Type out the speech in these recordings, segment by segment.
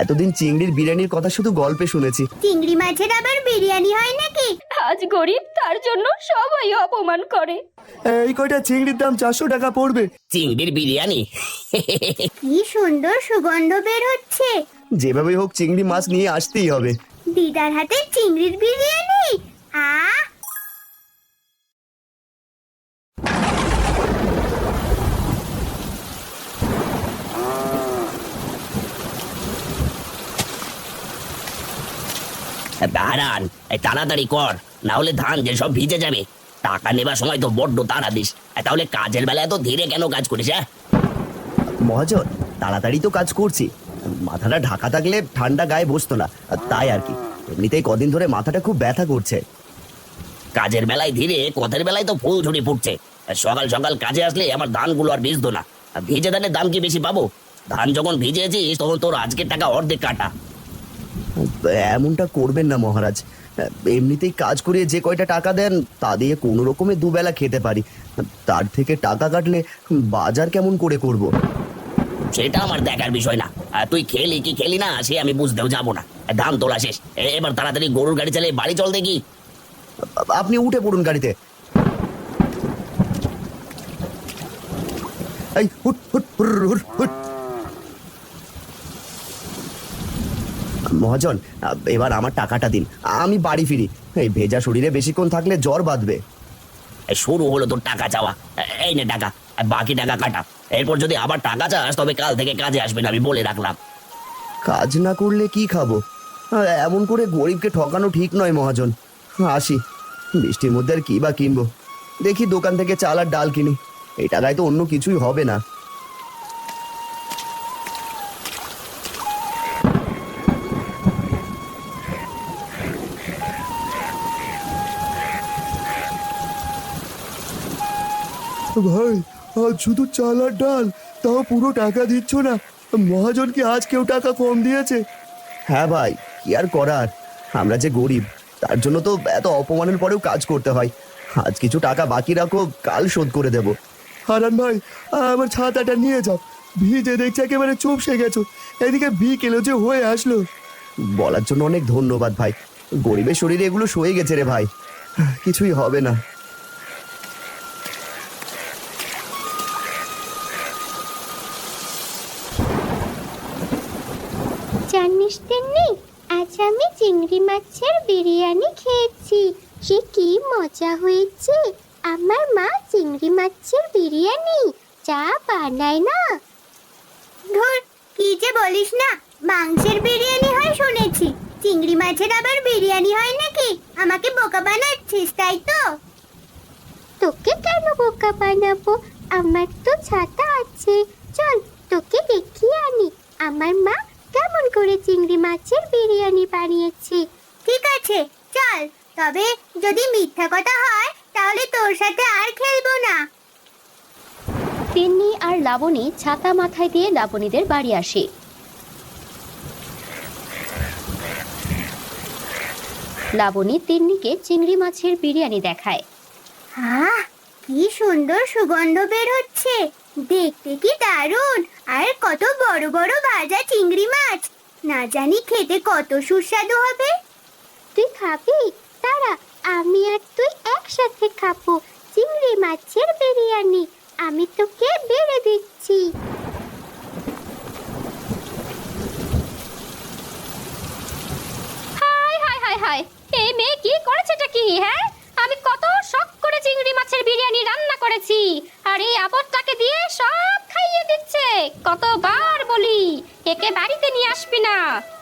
এতদিন চিংড়ির বিরিয়ানির কথা শুধু গল্পে শুনেছি। চিংড়ি মাছের আবার বিরিয়ানি হয় নাকি? আজ গরিব, তার জন্য সবাই অপমান করে। এই কয়টা চিংড়ির দাম 400 টাকা পড়বে। চিংড়ির বিরিয়ানি? কি সুন্দর সুগন্ধ বের হচ্ছে। যেভাবে হোক চিংড়ি মাছ নিয়ে আসতেই হবে। দিদার হাতে চিংড়ির বিরিয়ানি। আহ, দাঁড়ান, তাড়াতাড়ি কর, না হলে ধান যে সব ভিজে যাবে। টাকা নেবার সময় তো বড্ড তাড়া দিস, তাহলে কাজের বেলায় তো ধীরে কেন কাজ করিস? হ্যাঁ মহাজন, তাড়াতাড়ি তো কাজ করছি। মাথাটা ঢাকা থাকলে ঠান্ডা গায়ে বসতো না, তাই আর কি। এমনিতেই কদিন ধরে মাথাটা খুব ব্যথা করছে। কাজের বেলায় ধীরে, কথার বেলায় তো ফুল ঝুড়ি ফুটছে। সকাল সকাল কাজে আসলে আমার ধানগুলো আর ভিজতো না। ভিজে ধানের দাম কি বেশি পাবো? ধান যখন ভিজেছিস তখন তোর আজকের টাকা অর্ধেক কাটা। এমনটা করবেন না মহারাজ। এমনিতেই কাজ করিয়ে যে কয়টা টাকা দেন তা দিয়ে কোনো রকমে দুবেলা খেতে পারি। তার থেকে টাকা কাটলে বাজার কেমন করে করব? সেটা আমার দেখার বিষয় না। তুই খেলি কি খেলি না সে আমি বুঝতেও যাবো না। ধান তোলা শেষ, এবার তাড়াতাড়ি গরুর গাড়ি চালিয়ে বাড়ি চল দেখি। আপনি উঠে পড়ুন গাড়িতে। এই হুট হুট হুর হুর হুট। মহাজন, এবার আমার টাকাটা দিন, আমি বাড়ি ফিরি। এই ভেজা শরীরে বেশিক্ষণ থাকলে জ্বর বাঁধবে। শুরু হলো তোর টাকা চাওয়া। এই নে টাকা, বাকি টাকা কাটা। এরপর যদি আবার টাকা চাস তবে কাল থেকে কাজে আসবে না, আমি বলে রাখলাম। কাজ না করলে কি খাবো? এমন করে গরিবকে ঠকানো ঠিক নয় মহাজন। আসি, বৃষ্টির মধ্যে আর কি বা কিনবো। দেখি দোকান থেকে চাল আর ডাল কিনি। এই টাকায় তো অন্য কিছুই হবে না। ভাই, আজ শুধু চাল আর ডাল, তাও পুরো টাকা দিচ্ছ না। মহাজন কি আজ কেউ টাকা কম দিয়েছে? হ্যাঁ ভাই, কি আর করার, আমরা যে গরিব, তার জন্য তো এত অপমানের পরেও কাজ করতে হয়। আজ কিছু টাকা বাকি রাখো, কাল শোধ করে দেব। হারান ভাই, আমার ছাতাটা নিয়ে যাও। ভিজে দেখছি একেবারে চুপসে গেছো। এদিকে বিকেলে যে হয়ে আসলো। বলার জন্য অনেক ধন্যবাদ ভাই। গরিবের শরীরে এগুলো সয়ে গেছে রে ভাই, কিছুই হবে না। জানিস তেমনি আজ আমি চিংড়ি মাছের বিরিয়ানি খেয়েছি। সে কি মজা হয়েছে। আমার মা চিংড়ি মাছের বিরিয়ানি যা বানায় না। ধুর, কি যে বলিস না। মাংসের বিরিয়ানি হয় শুনেছি, চিংড়ি মাছের আবার বিরিয়ানি হয় নাকি? আমাকে বোকা বানাচ্ছিস তাই তো? তোকে কেন বোকা বানাবো? আমার তো ছাতা আছে, চল তোকে দেখিয়ে আনি আমার মা কেমন করে চিংড়ি মাছের বিরিয়ানি বানিয়েছে। ঠিক আছে চল, তবে যদি মিথ্যা কথা হয় তাহলে তোর সাথে আর খেলবো না। তিন্নি আর লাবণী ছাতা মাথায় দিয়ে লাবণীদের বাড়ি আসে। লাবণী তিন্নিকে চিংড়ি মাছের বিরিয়ানি দেখায়। আহ, কি সুন্দর সুগন্ধ বের হচ্ছে। দেখতে কি দারুণ। আর কত বড় বড় ভাজা চিংড়ি মাছ। না জানি খেতে কত সুস্বাদু হবে। তুই খাবি? তারা আমি আর তুই একসাথে খাবো চিংড়ি মাছের বিরিয়ানি। আমি তোকে বেড়ে দিচ্ছি। হায় হায় হায় হায়, এই মেয়ে কি করেছেটা কি? হ্যাঁ, আমি কত শখ করে চিংড়ি মাছের বিরিয়ানি রান্না করেছি, আর এই আপদটাকে দিয়ে সব খাইয়ে দিচ্ছে। কতবার বলি একে বাড়িতে নিয়ে আসবি না।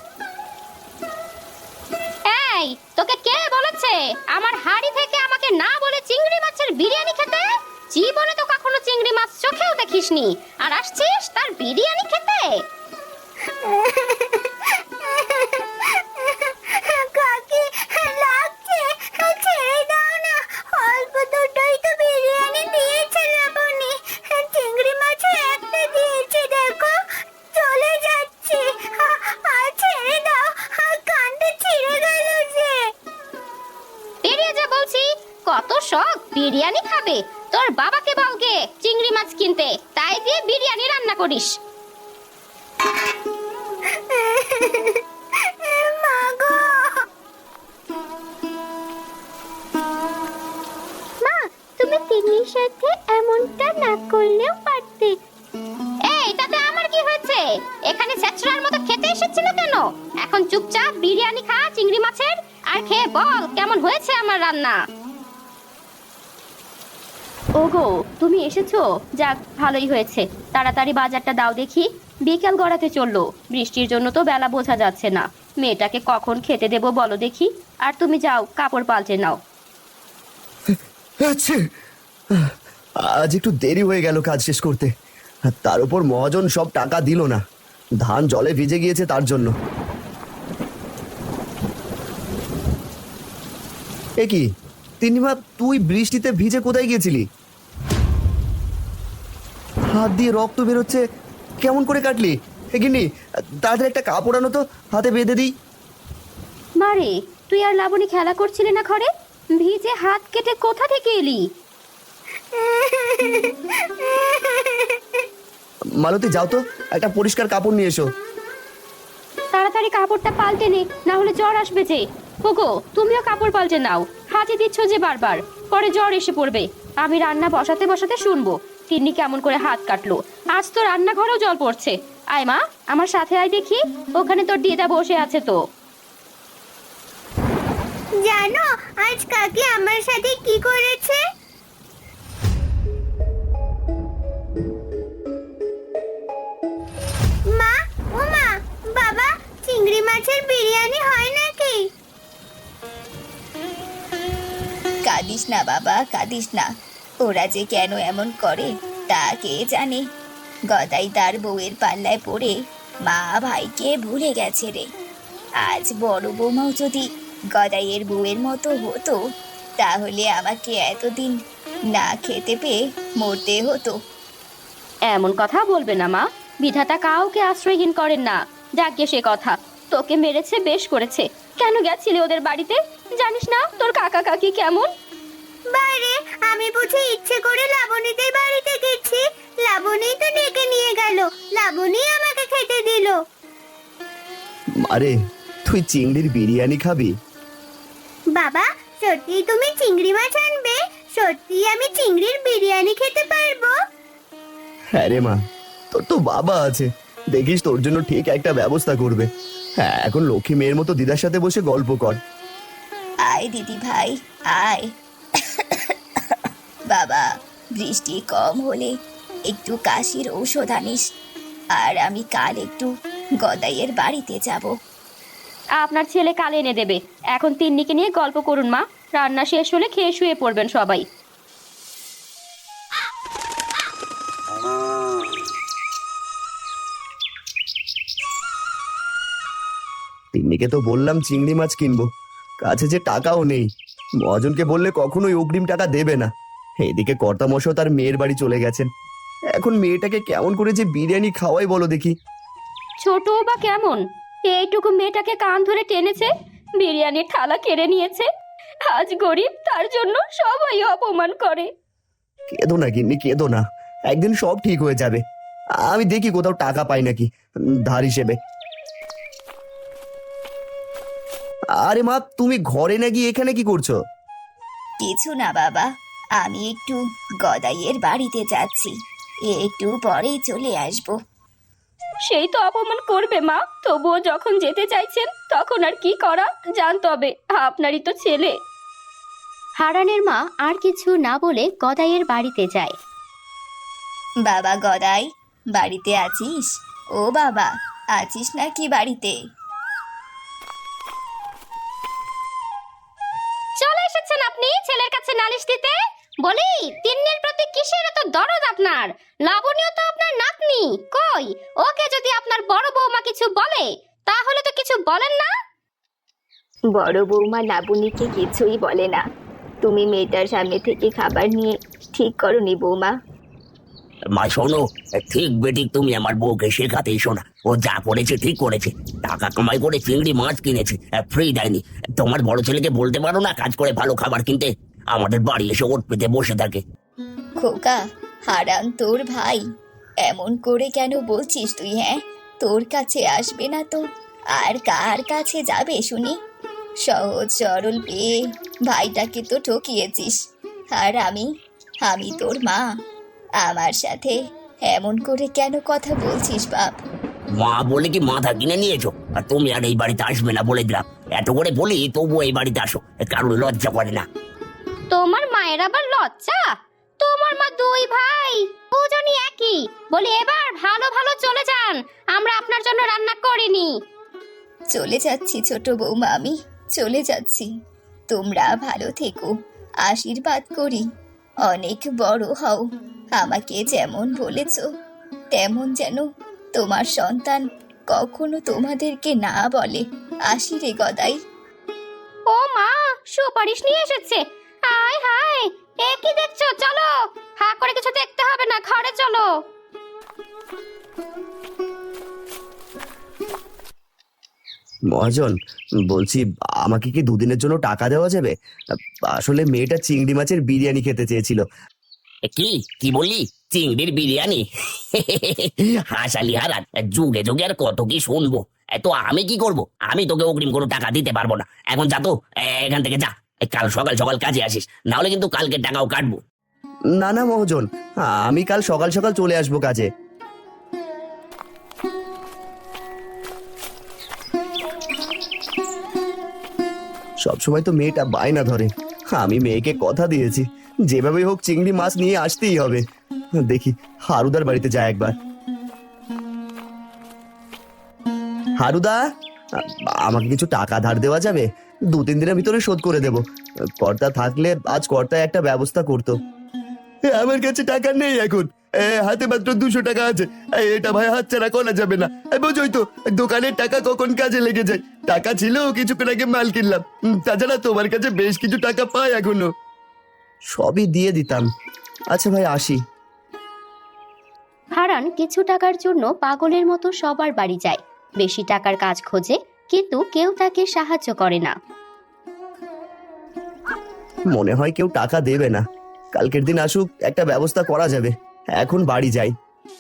এই, তোকে কে বলেছে আমার হাড়ি থেকে আমাকে না বলে চিংড়ি মাছের বিরিয়ানি খেতে? জীবনে তো কখনো চিংড়ি মাছ চোখেও দেখিসনি, আর আসছিস তার বিরিয়ানি খেতে? কাকি লাগছে, ছেড়ে দাও না। অল্প দুটোই তো বিরিয়ানি দিয়েছে লাবণী, চিংড়ি মাছও একটা দিয়েছে। দেখো চলে যাচ্ছে। ছেড়ে দাও, কানটা ছিঁড়ে গেল যে। বেরিয়ে যা বলছি। কত শখ বিরিয়ানি খাবে। তোর বাবাকে বলগে চিংড়ি মাছ কিনতে, তাই দিয়ে বিরিয়ানি রান্না করিস। এখন চুপচাপ বিরিয়ানি খা চিংড়ি মাছের, আর খেয়ে বল কেমন হয়েছে আমার রান্না। ওগো, তুমি এসেছো? যাক, ভালোই হয়েছে। তাড়াতাড়ি বাজারটা দাও দেখি, বিকেল গড়াতে চললো। বৃষ্টির জন্য তো বেলা বোঝা যাচ্ছে না। মেয়েটাকে কখন খেতে দেবো বলো দেখি। আর তুমি যাও, কাপড় পাল্টে নাও। আচ্ছা, আজ একটু দেরি হয়ে গেল কাজ শেষ করতে। আর তার উপর মহাজন সব টাকা দিল না, ধান জলে ভিজে গিয়েছে তার জন্য। এ কি তিন্নিমা, তুই বৃষ্টিতে ভিজে কোথায় গিয়েছিলি? হাত দিয়ে রক্ত বেরোচ্ছে, কেমন করে কাটলি? এগিনি তাদের একটা কাপড় আনো তো, হাতে বেঁধে দিই। মারে, তুই আর লাবণী খেলা করছিলি না ঘরে? ভিজে হাত কেটে কোথা থেকে এলি? মালতী, যাও তো, একটা পরিষ্কার কাপড় নিয়ে এসো। তাড়াতাড়ি কাপড়টা পাল্টে নে, না হলে জ্বর আসবে যে। ওগো, তুমিও কাপড় পাল্টে নাও। হাতে দিচ্ছ যে বারবার, পরে জ্বর এসে পড়বে। আমি রান্না বসাতে বসাতে শুনবো তিন্নি কেমন করে হাত কাটলো। আজ তো রান্নাঘরেও জল পড়ছে। আয় মা, আমার সাথে আয় দেখি, ওখানে তোর দিদা বসে আছে তো। জানো আজ কাকি আমার সাথে কি করেছে? মা, ও মা, বাবা, চিংড়ি মাছের বিরিয়ানি হয় নাকি? কাঁদিস না বাবা, কাঁদিস না। ওরা যে কেন এমন করে তা কে জানে। গদাই তার বউয়ের পাল্লায় পড়ে মা ভাইকে ভুলে গেছে রে। আজ বড় বৌমাও যদি গদাইয়ের বউয়ের মতো হতো, তাহলে আমাকে এতদিন না খেতে পেয়ে মরতে হতো। এমন কথা বলবে না মা, বিধাতা কাউকে আশ্রয়হীন করেন না। যাকে সে কথা, তোকে মেরেছে বেশ করেছে। কেন গেছিলে ওদের বাড়িতে? জানিস না তোর কাকা কাকি কেমন? বাইরে আমি বুঝি ইচ্ছে করে লাবণীদের বাড়িতে গেছি? লাবণী তো ডেকে নিয়ে গেল, লাবণী আমাকে খেতে দিল। আরে, তুই চিংড়ির বিরিয়ানি খাবি? বাবা, সত্যি তুমি চিংড়ি মাছ আনবে? সত্যি আমি চিংড়ির বিরিয়ানি খেতে পারবো? হ্যাঁ রে মা, তোর তো বাবা আছে, দেখিস তোর জন্য ঠিক একটা ব্যবস্থা করবে। হ্যাঁ, এখন লক্ষ্মী মেয়ের মতো দিদার সাথে বসে গল্প কর। আয় দিদি ভাই, আয়। বাবা, বৃষ্টি কম হলে একটু কাশির ঔষধ আনিস। আর আমি কাল একটু গদাইয়ের বাড়িতে যাব। আপনার ছেলে কাল এনে দেবে। এখন তিন্নিকে নিয়ে গল্প করুন মা, রান্না শেষ হলে খেয়ে শুয়ে পড়বেন সবাই। তিন্নিকে তো বললাম চিংড়ি মাছ কিনবো, কাছে যে টাকাও নেই। মহাজনকে বললে কখনোই অগ্রিম টাকা দেবে না। এদিকে কর্তামশাই তার মেয়ের বাড়ি চলে গেছেন। এখন মেয়েটাকে কেমন করে যে বিরিয়ানি খাওয়াই বলো দেখি। ছোট বা কেমন, এইটুকু মেয়েটাকে কান ধরে টেনেছে, বিরিয়ানির থালা কেড়ে নিয়েছে। আজ গরিব, তার জন্য সবাই অপমান করে। কেঁদো না গিন্নি, কেঁদো না, একদিন সব ঠিক হয়ে যাবে। আমি দেখি কোথাও টাকা পাই নাকি ধার হিসেবে। আরে মা, তুমি ঘরে না গিয়ে এখানে কি করছো? কিছু না বাবা, আমি একটু গদাইয়ের বাড়িতে যাচ্ছি, একটু পরেই চলে আসবো। সেই তো অপমান করবে মা, তবুও যখন যেতে চাইছেন তখন আর কি করা, জান। তবে আপনারই তো ছেলে। হারানের মা আর কিছু না বলে গদাইয়ের বাড়িতে যায়। বাবা গদাই, বাড়িতে আছিস? ও বাবা, আছিস নাকি বাড়িতে? চলে এসেছেন আপনি ছেলের কাছে নালিশ দিতে? বলি, তিন্নির প্রতি কিসের এত দরদ আপনার? লাবণীও তো আপনার নাতনি, কই ওকে যদি আপনার বড় বৌমা কিছু বলে তাহলে তো কিছু বলেন না। বড় বৌমা লাবণীকে কিছুই বলে না। তুমি মেয়েটার সামনে থেকে খাবার নিয়ে ঠিক করনি বৌমা। মা শোনো, ঠিক বেঠিক তুমি আমার বউকে শেখাতে এসো না। ও যা করেছে ঠিক করেছে, টাকা কামাই করে চিংড়ি মাছ কিনেছে, ফ্রি দেয়নি। তোমার বড় ছেলেকে বলতে পারো না কাজ করে ভালো খাবার কিনতে? আমাদের বাড়ি এসে ওট পেতে বসে থাকে। খোকা, হারান তোর ভাই, এমন করে কেন বলছিস তুই? হ্যাঁ, তোর কাছে আসবে না তো আর কার কাছে যাবে শুনি? সহজ সরল পেয়ে ভাইটাকে তো ঠকিয়েছিস। আর আমি তোর মা, আমার সাথে এমন করে কেন কথা বলছিস বাপ? মা বলে কি মাথা কিনে নিয়েছো? আর তুমি আর এই বাড়িতে আসবে না বলে দিলাম। এত করে বলি তবুও এই বাড়িতে আসো, কারোর লজ্জা করে না। তোমার মায়ের আবার লজ্জা? তোমার মা দুই ভাই দুজনই একই। বলি এবার ভালো ভালো চলে যান, আমরা আপনার জন্য রান্না করিনি। চলে যাচ্ছি ছোট বৌমা, আমি চলে যাচ্ছি। তোমরা ভালো থেকো, আশীর্বাদ করি অনেক বড় হও। আমাকে যেমন বলেছ তেমন যেন তোমার সন্তান কখনো তোমাদেরকে না বলে। আসি রে গদাই। ও মা, সুপারিশ নিয়ে এসেছে। হায় হায়, এ কি দেখছো? চলো, হা করে কিছু দেখতে হবে না, ঘরে চলো। মহাজন, বলছি আমাকে কি দুদিনের জন্য টাকা দেওয়া যাবে? আসলে মেয়েটা চিংড়ি মাছের বিরিয়ানি খেতে চেয়েছিল। কি কি বললি? চিংড়ির বিরিয়ানি? হাসালি হারান, যুগে যুগে আর কত কি শুনবো। তো আমি কি করব? আমি তোকে অগ্রিম কোনো টাকা দিতে পারবো না। এখন যা তো, এখান থেকে যা। কাল সকাল সকাল কাজে আসিস, না হলে কিন্তু কালকে টাকাও কাটবো। না না মহাজন, আমি কাল সকাল সকাল চলে আসবো কাজে। সবসময় তো মেয়েটা বায়না ধরে, আমি মেয়েকে কথা দিয়েছি যেভাবে হোক চিংড়ি মাছ নিয়ে আসতেই হবে। দেখি হারুদার বাড়িতে যায় একবার। হারুদা, আমাকে কিছু টাকা ধার দেওয়া যাবে? 2-3 দিনের ভিতরে শোধ করে দেব। কর্তা থাকলে আজ কর্তায় একটা ব্যবস্থা করতো। আমার কাছে টাকা নেই এখন, হাতে মাত্র 200 টাকা আছে। এটা ভাই হাতছাড়া করা যাবে না। বোঝোই তো দোকানের টাকা কখন কাজে লেগে যায়। টাকা ছিল, কিছুক্ষণ আগে মাল কিনলাম। তাছাড়া তোমার কাছে বেশ কিছু টাকা পাই এখনো। সবই দিয়ে দিতাম। আচ্ছা ভাই, আসি। হারান কিছু টাকার জন্য পাগলের মতো সবার বাড়ি যায়, বেশি টাকার কাজ খোঁজে, কিন্তু কেউ তাকে সাহায্য করে না। মনে হয় কেউ টাকা দেবে না। কালকের দিন আসুক, একটা ব্যবস্থা করা যাবে। এখন বাড়ি যাই।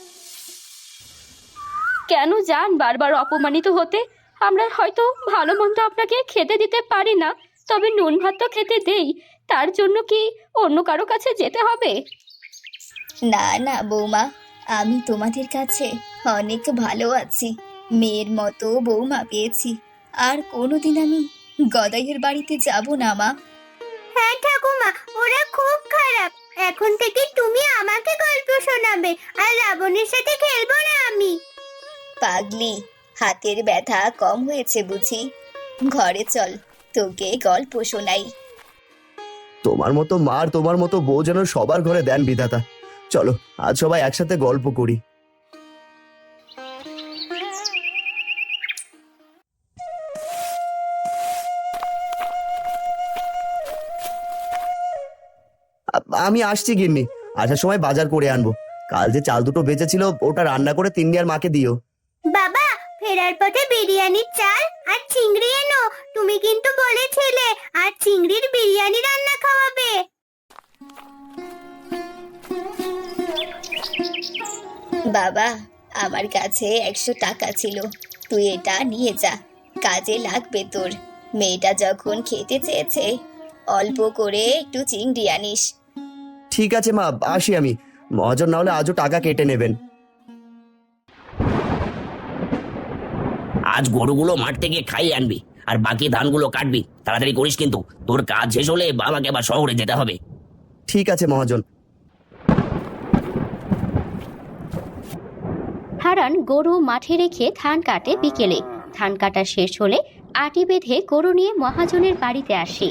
কেন যান বারবার অপমানিত হতে? আমরা হয়তো ভালো মন্দ আপনাকে খেতে দিতে পারি না, তবে নুন ভাত তো খেতে দেই। তার জন্য কি অন্য কারো কাছে যেতে হবে? না না বৌমা, আমি তোমাদের কাছে অনেক ভালো আছি। মেয়ের মতো বৌমা পেয়েছি। আর কোনোদিন আমি গদাইয়ের বাড়িতে যাব না মা। হ্যাঁ ঠাকুমা, ওরা খুব খারাপ। এখন থেকে তুমি আমাকে গল্প শোনাবে, আর লাবণীর সাথে খেলবো না আমি। পাগলি, হাতের ব্যথা কম হয়েছে বুঝি? ঘরে চল, তোকে গল্প শোনাই। তোমার মতো মা আর তোমার মতো বউ যেন সবার ঘরে দেন বিধাতা। চলো আজ সবাই একসাথে গল্প করি। আমি আসছি গিন্নি, আসার সময় বাজার করে আনবো। কাল যে চাল দুটো বেঁচেছিল ওটা রান্না করে তিন্নি আর মাকে দিও। বাবা, ফেরার পথে বিরিয়ানির চাল আর চিংড়ি এনো। তুমি কিন্তু বলেছিলে আর চিংড়ির বিরিয়ানি রান্না খাওয়াবে। বাবা, আমার কাছে 100 টাকা ছিল, তুই এটা নিয়ে যা, কাজে লাগবে তোর। মেয়েটা যখন খেতে চেয়েছে, অল্প করে একটু চিংড়ি আনিস। ঠিক আছে মা, আসি আমি। মহাজন না হলে আজও টাকা কেটে নেবেন। আজ গরুগুলো মাঠ থেকে খাইয়ে আনবি, আর বাকি ধানগুলো কাটবি। তাড়াতাড়ি করিস কিন্তু, তোর কাজ শেষ হলে বাবাকে আবার শহরে যেতে হবে। ঠিক আছে মহাজন। হারান গরু মাঠে রেখে ধান কাটে বিকেলে। ধান কাটা শেষ হলে আটি বেঁধে গরু নিয়ে মহাজনের বাড়িতে আসে।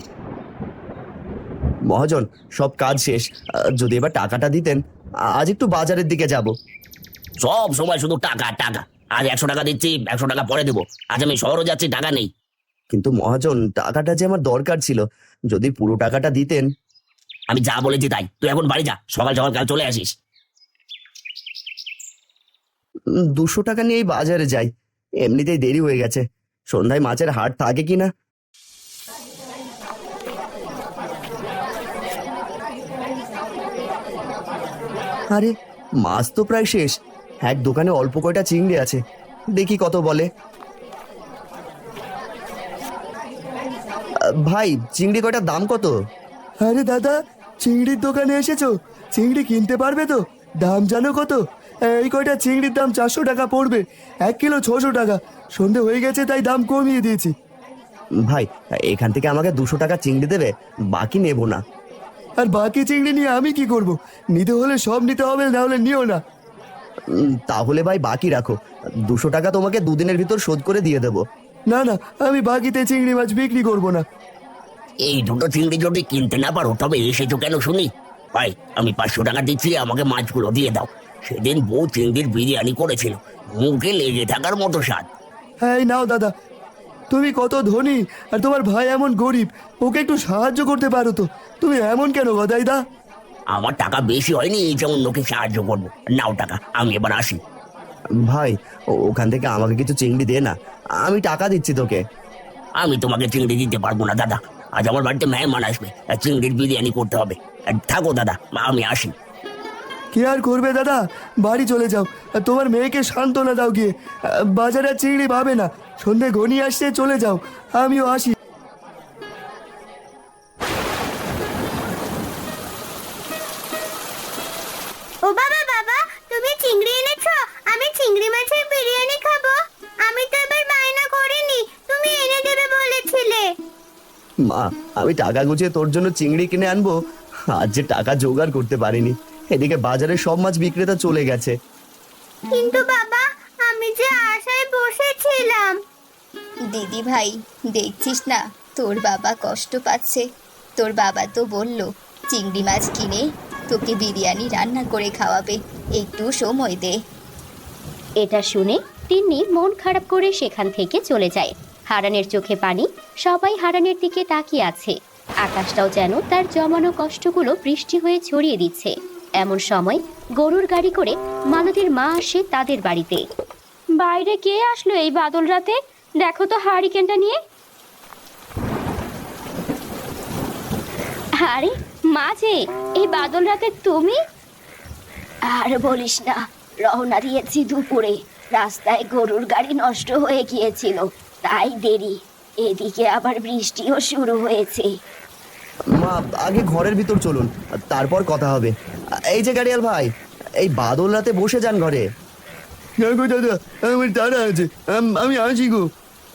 মহাজন, সব কাজ শেষ। যদি এবার টাকাটা দিতেন, আজ একটু বাজারের দিকে যাব। সব সময় শুধু টাকা টাকা। আজ 100 টাকা দিচ্ছি, 100 টাকা পরে দেবো। আজ আমি শহরে যাচ্ছি, টাকা নেই। কিন্তু মহাজন, টাকাটা যে আমার দরকার ছিল, যদি পুরো টাকাটা দিতেন। আমি যা বলেছি তাই, তুই এখন বাড়ি যা, সকাল সকাল কাল চলে আসিস। 200 টাকা নিয়েই বাজারে যাই। এমনিতেই দেরি হয়ে গেছে, সন্ধ্যায় মাছের হাট থাকে কিনা। আরে মাছ তো প্রায় শেষ। এক দোকানে অল্প কয়টা চিংড়ি আছে, দেখি কত বলে। ভাই, চিংড়ি কয়টার দাম কত? আরে দাদা, চিংড়ির দোকানে এসেছো? চিংড়ি কিনতে পারবে তো? দাম জানো কত? এই কয়টা চিংড়ির দাম 400 টাকা পড়বে, 1 কিলো 600 টাকা। সন্ধে হয়ে গেছে তাই দাম কমিয়ে দিয়েছি। ভাই, এখান থেকে আমাকে 200 টাকা চিংড়ি দেবে, বাকি নেব না। আর বাকি চিংড়ি নিয়ে আমি কি করব? নিতে হলে সব নিতে হবে, না হলে নিও না। তাহলে ভাই বাকি রাখো, 200 টাকা তোমাকে 2 দিনের ভিতর শোধ করে দিয়ে দেবো। না না, আমি বাকিতে চিংড়ি মাছ বিক্রি করব না। এই দুটো চিংড়ি যদি কিনতে না পারো তবে এসেছো কেন শুনি? ভাই, আমি 500 টাকা দিচ্ছি, আমাকে মাছগুলো দিয়ে দাও। সেদিন বউ চিংড়ির বিরিয়ানি করেছিল, মুখে লেগে থাকার মতো স্বাদ। হ্যাঁ, এই নাও দাদা। তুমি কত ধনী আর তোমার ভাই এমন গরিব, ওকে একটু সাহায্য করতে পারো তো। তুমি এমন কেন গদাইদা? আমার টাকা বেশি হয়নি এই যে অন্যকে সাহায্য করবো। নাও টাকা, আমি এবার আসি। ভাই, ওখান থেকে আমাকে কিছু চিংড়ি দে না, আমি টাকা দিচ্ছি তোকে। আমি তোমাকে চিংড়ি দিতে পারবো না দাদা, আজ আমার বাড়িতে মেহমান আসবে, আর চিংড়ির বিরিয়ানি করতে হবে। আর থাকো দাদা, আমি আসি। কি আর করবে দাদা, বাড়ি চলে যাও। আর তোমার মেয়েকে সান্ত্বনা দাও গিয়ে, বাজারে আর চিংড়ি পাবে না। সন্ধে ঘনিয়ে আসছে, চলে যাও, আমিও আসি। ও বাবা, বাবা তুমি চিংড়ি এনেছো? আমি চিংড়ি মাছের বিরিয়ানি খাবো। আমি তো এবার বায়না করিনি, তুমি এনে দেবে বলেছিলে। মা, আমি টাকা গুছিয়ে তোর জন্য চিংড়ি কিনে আনবো, আজ যে টাকা জোগাড় করতে পারিনি। এদিকে বাজারে সব মাছ বিক্রেতা চলে গেছে। কিন্তু বাবা, আমি যে আশায় বসেছিলাম। দিদি ভাই, দেখছিস না তোর বাবা কষ্ট পাচ্ছে। তোর বাবা তো বলল চিংড়ি মাছ কিনে তোকে বিরিয়ানি রান্না করে খাওয়াবে, একটু সময় দে। এটা শুনে তিন্নি মন খারাপ করে সেখান থেকে চলে যায়। হারানের চোখে পানি, সবাই হারানের দিকে তাকিয়ে আছে। আকাশটাও যেন তার জমানো কষ্টগুলো বৃষ্টি হয়ে ছড়িয়ে দিচ্ছে। এমন সময় গরুর গাড়ি করে মালতীর মা আসে তাদের বাড়িতে। বাইরে কে আসলো এই বাদল রাতে? দেখো তো হারিকেনটা নিয়ে। আরে মা যে, এই বাদল রাতে তুমি? আর বলিস না, রওনা দিয়েছি দুপুরে, রাস্তায় গরুর গাড়ি নষ্ট হয়ে গিয়েছিল, তাই দেরি। এদিকে আবার বৃষ্টিও শুরু হয়েছে। মা, আগে ঘরের ভিতর চলুন, তারপর কথা হবে। এই যে গাড়িয়াল ভাই, এই বাদল রাতে বসে যান ঘরে। গো দাদা, আমার তাড়া আছে, আমি আসি গো।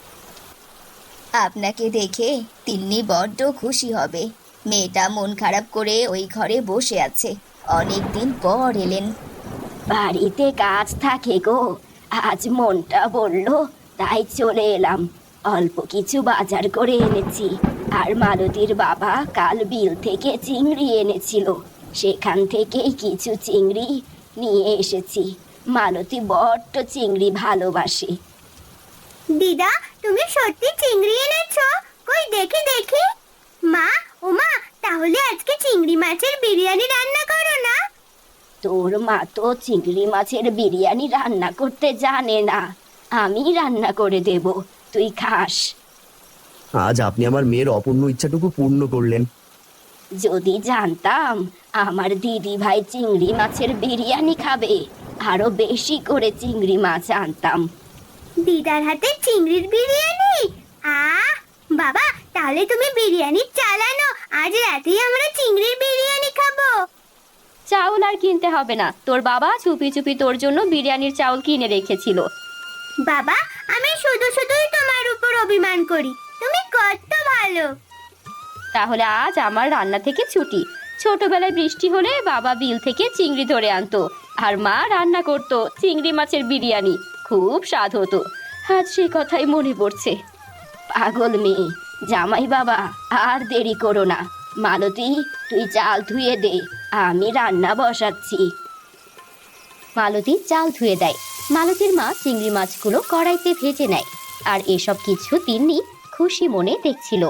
আপনাকে দেখে তিন্নি বড্ড খুশি হবে। মেয়েটা মন খারাপ করে ওই ঘরে বসে আছে, অনেক দিন পর এলেন। বাড়িতে কাজ থাকে গো, আজ মনটা বললো তাই চলে এলাম। অল্প কিছু বাজার করে এনেছি, আর মালতীর বাবা কাল বিল থেকে চিংড়ি এনেছিল, সেখান থেকেই কিছু চিংড়ি নিয়ে এসেছি। মালতী বড্ড চিংড়ি ভালোবাসে। দিদা, তুমি সত্যি চিংড়ি এনেছো? কই দেখি দেখি। মা, ও মা, তাহলে আজকে চিংড়ি মাছের বিরিয়ানি রান্না করো না? তোর মা তো চিংড়ি মাছের বিরিয়ানি রান্না করতে জানে না, আমি রান্না করে দেব, তুই খাস। আজ আপনি আমার মেয়ের অপূর্ণ ইচ্ছাটুকু পূর্ণ করলেন। যদি জানতাম আমার দিদি ভাই চিংড়ি মাছের বিরিয়ানি খাবে, আরো বেশি করে চিংড়ি মাছ আনতাম। দিদার হাতে চিংড়ির বিরিয়ানি? আহ বাবা, তাহলে তুমি বিরিয়ানি চালানো, আজ রাতেই আমরা চিংড়ির বিরিয়ানি খাবো। চাউল আর কিনতে হবে না, তোর বাবা চুপি চুপি তোর জন্য বিরিয়ানির চাউল কিনে রেখেছিল। বাবা, আমি শুধু শুধুই তোমার উপর অভিমান করি, তুমি কত ভালো। তাহলে আজ আমার রান্না থেকে ছুটি। ছোটবেলায় বৃষ্টি হলে বাবা বিল থেকে চিংড়ি ধরে আনতো, আর মা রান্না করতো চিংড়ি মাছের বিরিয়ানি, খুব স্বাদ হতো। আজ সেই কথাই মনে পড়ছে। পাগল মেয়ে, জামাই বাবা আর দেরি করো না। মালতী, তুই চাল ধুয়ে দে, আমি রান্না বসাচ্ছি। মালতী চাল ধুয়ে দেয়। মালতীর মা চিংড়ি মাছগুলো কড়াইতে ভেজে নেয়, আর এসব কিছু তিন্নি খুশি মনে দেখছিল।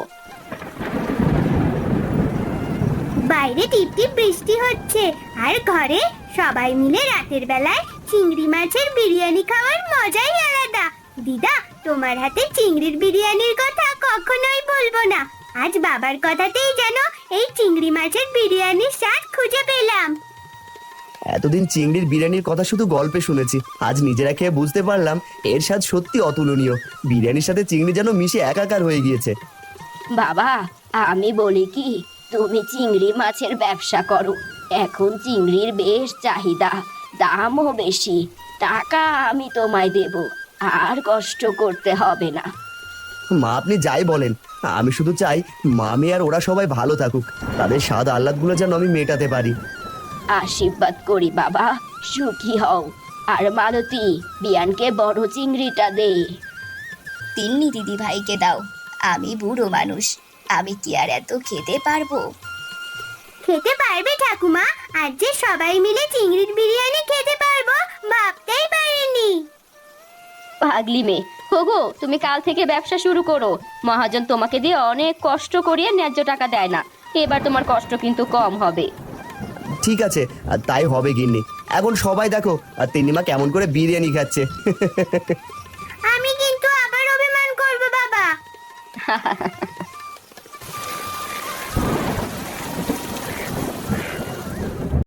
বাইরে টিপটিপ বৃষ্টি হচ্ছে, আর ঘরে সবাই মিলে রাতের বেলায় চিংড়ি মাছের বিরিয়ানি খাওয়ার মজাই আলাদা। দিদা, তোমার হাতে চিংড়ির বিরিয়ানির কথা কখনোই বলবো না। আজ বাবার কথাতেই যেন এই চিংড়ি মাছের বিরিয়ানির স্বাদ খুঁজে পেলাম। এতদিন চিংড়ির বিরিয়ানির কথা শুধু গল্পে শুনেছি, আজ নিজেরা খেয়ে বুঝতে পারলাম এর স্বাদ সত্যি অতুলনীয়। বিরিয়ানির সাথে চিংড়ি যেন মিশে একাকার হয়ে গিয়েছে। বাবা, আমি বলি কি, তুমি চিংড়ি মাছের ব্যবসা করো, এখন চিংড়ির বেশ চাহিদা, দামও বেশি, টাকা আমি তোমায় দেব, আর কষ্ট করতে হবে না। মা আপনি যাই বলেন, আমি শুধু চাই মামি আর ওরা সবাই ভালো থাকুক, তাদের স্বাদ আহ্লাদগুলো যেন আমি মেটাতে পারি। আশীর্বাদ করি বাবা, সুখী হও। আর মালতী, বিয়ানকে বড় চিংড়িটা দে। তিন্নি দিদি ভাইকে দাও, আমি বুড়ো মানুষ, আমি কি আর এত খেতে পারবো? খেতে পারবে ঠাকুমা? আজ যে সবাই মিলে চিংড়ির বিরিয়ানি খেতে পারবো ভাবতেই পারিনি। পাগলি মেয়ে, হোগো তুমি কাল থেকে ব্যবসা শুরু করো। মহাজন তোমাকে দিয়ে অনেক কষ্ট করিয়ে ন্যায্য টাকা দেয় না, এবার তোমার কষ্ট কিন্তু কম হবে। ঠিক আছে, আর তাই হবে গিন্নি। এখন সবাই দেখো আর তিন্নিমা কেমন করে বিরিয়ানি খাচ্ছে। আমি কিন্তু আবার অভিমান করবো বাবা।